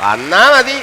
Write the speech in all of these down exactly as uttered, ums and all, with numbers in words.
വന്നാ മതി.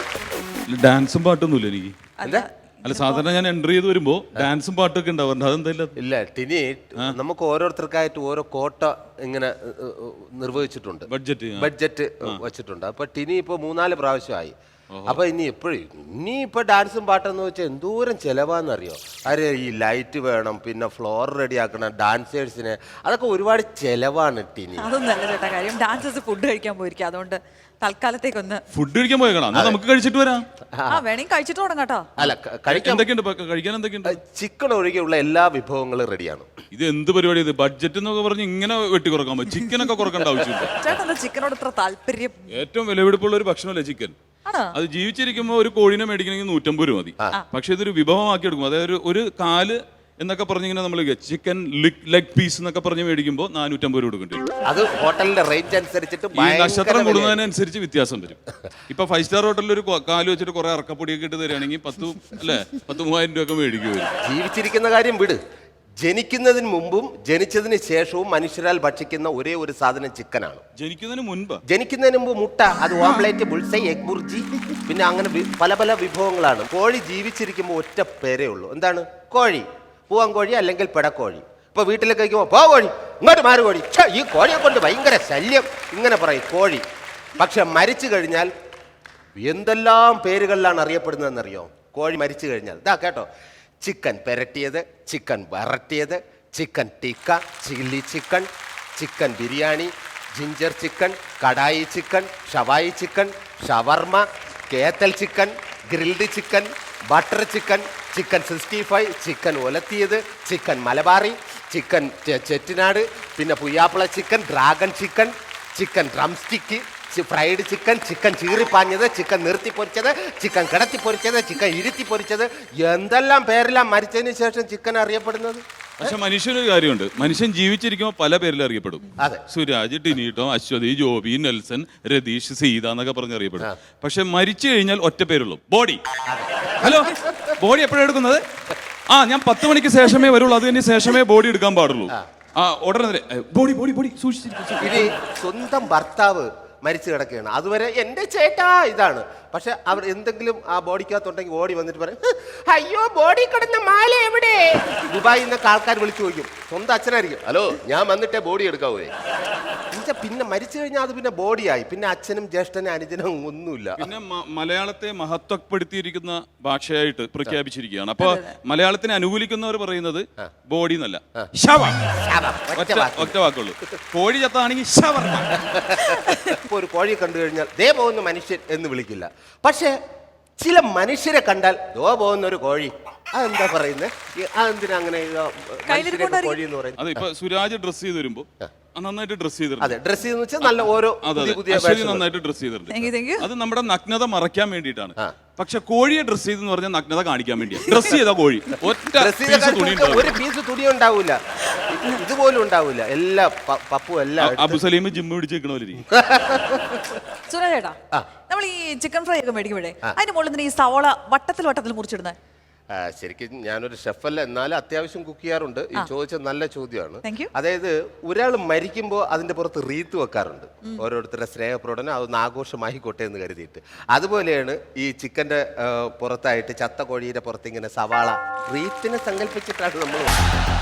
ഡാൻസും പാട്ടൊന്നുമില്ല എനിക്ക്. എന്താ? അല്ല, സാധാരണ ഞാൻ എൻട്രി ചെയ്ത് വരുമ്പോ ഡാൻസും പാട്ടൊക്കെ ഉണ്ടാവാറുണ്ട്. അതെന്താ? ഇല്ല ടിനി, നമുക്ക് ഓരോരുത്തർക്കായിട്ട് ഓരോ കോട്ട ഇങ്ങനെ നിർവഹിച്ചിട്ടുണ്ട്, ബഡ്ജറ്റ് ബഡ്ജറ്റ് വെച്ചിട്ടുണ്ട്. അപ്പൊ ടിനി ഇപ്പൊ മൂന്നാല് പ്രാവശ്യമായി. അപ്പൊ ഇനി എപ്പോഴും ഇനി ഇപ്പൊ ഡാൻസും പാട്ടെന്ന് വെച്ചാൽ എന്തോരം ചെലവാന്നറിയോ? അരെ ഈ ലൈറ്റ് വേണം, പിന്നെ ഫ്ലോർ റെഡി ആക്കണം, ഡാൻസേഴ്സിന്, അതൊക്കെ ഒരുപാട് ചെലവാണ് ടിനി. അതൊന്നും അല്ല ചേട്ടാ കാര്യം. ഡാൻസേഴ്സ് ഫുഡ് കഴിക്കാൻ പോയിരിക്കും, അതുകൊണ്ട് തൽക്കാലത്തേക്കൊന്ന് ഫുഡ് കഴിക്കാൻ പോയേക്കണം. നമുക്ക് കഴിച്ചിട്ട് വരാം. ആ വേണമെങ്കിൽ കഴിച്ചിട്ട് തുടങ്ങാം കേട്ടോ. അല്ല, കഴിക്കാൻ എന്തൊക്കെയുണ്ട് കഴിക്കാൻ? എന്തൊക്കെയുണ്ട്? ചിക്കൻ ഒഴികെയുള്ള എല്ലാ വിഭവങ്ങളും റെഡിയാണ്. ഇത് എന്ത് പരിപാടി? ഇത് ബഡ്ജറ്റ് എന്നൊക്കെ പറഞ്ഞ് ഇങ്ങനെ വെട്ടി കുറക്കാൻ പറ്റും? ചിക്കനൊക്കെ കുറക്കേണ്ട ആവശ്യമില്ല. ചേട്ടാ എന്താ ചിക്കനോട് ഇത്ര താല്പര്യം? ഏറ്റവും വിലപിടിപ്പുള്ള ഒരു ഭക്ഷണമല്ലേ ചിക്കൻ. അത് ജീവിച്ചിരിക്കുമ്പോൾ ഒരു കോഴിനെ മേടിക്കണമെങ്കിൽ നൂറ്റമ്പത് രൂപ മതി. പക്ഷെ ഇതൊരു വിഭവമാക്കി എടുക്കും. അതായത് ഒരു കാല് എന്നൊക്കെ പറഞ്ഞിങ്ങനെ നമ്മൾ ചിക്കൻ ലെഗ് പീസ് എന്നൊക്കെ പറഞ്ഞ് മേടിക്കുമ്പോൾ നാനൂറ്റമ്പത് രൂപ കൊടുക്കേണ്ടി വരും. അത് ഹോട്ടലിന്റെ റേറ്റ് അനുസരിച്ചിട്ട് ഈ നക്ഷത്രം കൂടുന്നതിനനുസരിച്ച് വ്യത്യാസം വരും. ഇപ്പൊ ഫൈവ് സ്റ്റാർ ഹോട്ടലിൽ ഒരു കാല് വെച്ചിട്ട് കുറെ അറക്കപ്പൊടിയൊക്കെ ഇട്ട് തരികയാണെങ്കിൽ പത്ത് അല്ലെ പത്ത് മൂവായിരം രൂപ ഒക്കെ മേടിക്കും. ജീവിച്ചിരിക്കുന്ന കാര്യം വിട്. ജനിക്കുന്നതിന് മുമ്പും ജനിച്ചതിന് ശേഷവും മനുഷ്യരാൽ ഭക്ഷിക്കുന്ന ഒരേ ഒരു സാധനം ചിക്കനാണ്. ജനിക്കുന്നതിന് മുൻപ് ജനിക്കുന്നതിന് മുമ്പ് മുട്ട, അത് ഓംലേറ്റ്, ബുൾസൈ, എഗ് ബുർജി, പിന്നെ അങ്ങനെ പല പല വിഭവങ്ങളാണ്. കോഴി ജീവിച്ചിരിക്കുമ്പോൾ ഒറ്റ പേരേ ഉള്ളൂ. എന്താണ്? കോഴി. പൂവൻ കോഴി അല്ലെങ്കിൽ പിടക്കോഴി. ഇപ്പൊ വീട്ടിലേക്ക് കഴിക്കുമ്പോൾ പോ കോഴി, ഇങ്ങോട്ട് മാറി കോഴി, ഈ കോഴിയെ കൊണ്ട് ഭയങ്കര ശല്യം, ഇങ്ങനെ പറയും കോഴി. പക്ഷെ മരിച്ചു കഴിഞ്ഞാൽ എന്തെല്ലാം പേരുകളിലാണ് അറിയപ്പെടുന്നതെന്നറിയോ? കോഴി മരിച്ചു കഴിഞ്ഞാൽ ഇതാ കേട്ടോ: ചിക്കൻ പെരട്ടിയത്, ചിക്കൻ വരട്ടിയത്, chicken tikka, chilli chicken, chicken biryani, ginger chicken, kadai chicken, ഷവായി ചിക്കൻ, ഷവർമ, കേത്തൽ chicken, grilled chicken, butter chicken, chicken sixty five, chicken ഒലത്തിയത്, ചിക്കൻ മലബാറി, ചിക്കൻ ചെറ്റിനാട്, പിന്നെ പുയ്യാപ്പിള chicken, dragon chicken, chicken drumstick, fried chicken, chicken ചീറിപ്പാഞ്ഞത്, ചിക്കൻ നിർത്തി പൊരിച്ചത്, ചിക്കൻ കിടത്തി പൊരിച്ചത്, ചിക്കൻ ഇരുത്തി പൊരിച്ചത്, എന്തെല്ലാം പേരെല്ലാം മരിച്ചതിന് ശേഷം ചിക്കൻ അറിയപ്പെടുന്നത്. പക്ഷെ മനുഷ്യനൊരു കാര്യമുണ്ട്, മനുഷ്യൻ ജീവിച്ചിരിക്കുമ്പോൾ പല പേരിൽ അറിയപ്പെടും. അതെ, സുരാജ്, ടിനീട്ടോ, അശ്വതി, ജോബി, നെൽസൺ, രതീഷ്, സീത എന്നൊക്കെ പറഞ്ഞ് അറിയപ്പെടും. പക്ഷെ മരിച്ചു കഴിഞ്ഞാൽ ഒറ്റ പേരുള്ളൂ: ബോഡി. ഹലോ, ബോഡി എപ്പോഴാണ് എടുക്കുന്നത്? ആ ഞാൻ പത്ത് മണിക്ക് ശേഷമേ വരുള്ളൂ, അത് കഴിഞ്ഞ് ശേഷമേ ബോഡി എടുക്കാൻ പാടുള്ളൂ. ആ ഉടനെ ബോഡി ബോഡി ബോഡി സൂക്ഷിച്ചിരിക്കും. ഇനി സ്വന്തം ഭർത്താവ് മരിച്ചു കിടക്കുകയാണ്, അതുവരെ എൻ്റെ ചേട്ടാ ഇതാണ്. പക്ഷെ അവർ എന്തെങ്കിലും ആ ബോഡിക്കകത്തുണ്ടെങ്കിൽ ഓടി വന്നിട്ട് പറയും, അയ്യോ ബോഡി കിടന്ന മാല എവിടെ? ദുബായിൽ നിന്നൊക്കെ ആൾക്കാർ വിളിച്ചു ചോദിക്കും. സ്വന്തം അച്ഛനായിരിക്കും, ഹലോ ഞാൻ വന്നിട്ടേ ബോഡി എടുക്കാവേ. പിന്നെ മരിച്ചു കഴിഞ്ഞാൽ അത് പിന്നെ ബോഡിയായി, പിന്നെ അച്ഛനും ജ്യേഷ്ഠനും അനുജനും ഒന്നുമില്ല. പിന്നെ മലയാളത്തെ മഹത്വപ്പെടുത്തിയിരിക്കുന്ന ഭാഷയായിട്ട് പ്രഖ്യാപിച്ചിരിക്കുകയാണ്. അപ്പൊ മലയാളത്തിനെ അനുകൂലിക്കുന്നവർ പറയുന്നത് ബോഡി എന്നല്ല, ശവം. ഒറ്റ വാക്കുള്ളൂ. കോഴി ചത്താണെങ്കിൽ ശവർമ്മ. ഇപ്പൊ ഒരു കോഴി കണ്ടു കഴിഞ്ഞാൽ ദേ പോകുന്ന മനുഷ്യൻ എന്ന് വിളിക്കില്ല. പക്ഷെ ചില മനുഷ്യരെ കണ്ടാൽ ദോ പോകുന്ന ഒരു കോഴി, അതെന്താ പറയുന്നത്? അതെന്തിനാ അങ്ങനെ കോഴി എന്ന് പറയുന്നത്? അതെ, ഇപ്പൊ സുരാജ് ഡ്രസ് ചെയ്ത് വരുമ്പോ നന്നായിട്ട് ഡ്രസ് ചെയ്തിട്ടുണ്ട്. അതെ, ഡ്രസ് ചെയ്തെന്ന് വെച്ചാൽ നല്ല ഓരോ നന്നായിട്ട് ഡ്രസ് ചെയ്തിട്ടുണ്ട്. അത് നമ്മുടെ നഗ്നത മറയ്ക്കാൻ വേണ്ടിയിട്ടാണ്. പക്ഷെ കോഴിയെ ഡ്രസ് ചെയ്തെന്ന് പറഞ്ഞാൽ നഗ്നത കാണിക്കാൻ വേണ്ടിയാണ് ഡ്രസ് ചെയ്ത കോഴി. ഒറ്റ ഒരു പീസ് തുണി ഉണ്ടാവൂല, ഇതുപോലും ഉണ്ടാവൂല. എല്ലാ പപ്പും എല്ലാം അബു സലീം ജിമ്മ് പിടിച്ച് നിൽക്കണ. സുരേട്ടാ, നമ്മൾ ഈ ചിക്കൻ ഫ്രൈ ഒക്കെ മേടിക്കുമ്പോഴേ അതിന്റെ മുകളിൽ ഈ സവോള വട്ടത്തിൽ വട്ടത്തിൽ മുറിച്ചിടുന്നത്? ശരിക്കും ഞാനൊരു ഷെഫല്ല, എന്നാലും അത്യാവശ്യം കുക്ക് ചെയ്യാറുണ്ട്. ഈ ചോദിച്ച നല്ല ചോദ്യമാണ്. Thank you. അതായത് ഒരാൾ മരിക്കുമ്പോൾ അതിന്റെ പുറത്ത് റീത്ത് വെക്കാറുണ്ട്, ഓരോരുത്തരുടെ സ്നേഹപ്രകടനം, അതൊന്ന് ആഘോഷമായിക്കോട്ടെ എന്ന് കരുതിയിട്ട്. അതുപോലെയാണ് ഈ ചിക്കന്റെ പുറത്തായിട്ട് ചത്ത കോഴിയുടെ പുറത്ത് ഇങ്ങനെ സവാള റീത്തിനെ സങ്കല്പിച്ചിട്ടാണ് നമ്മൾ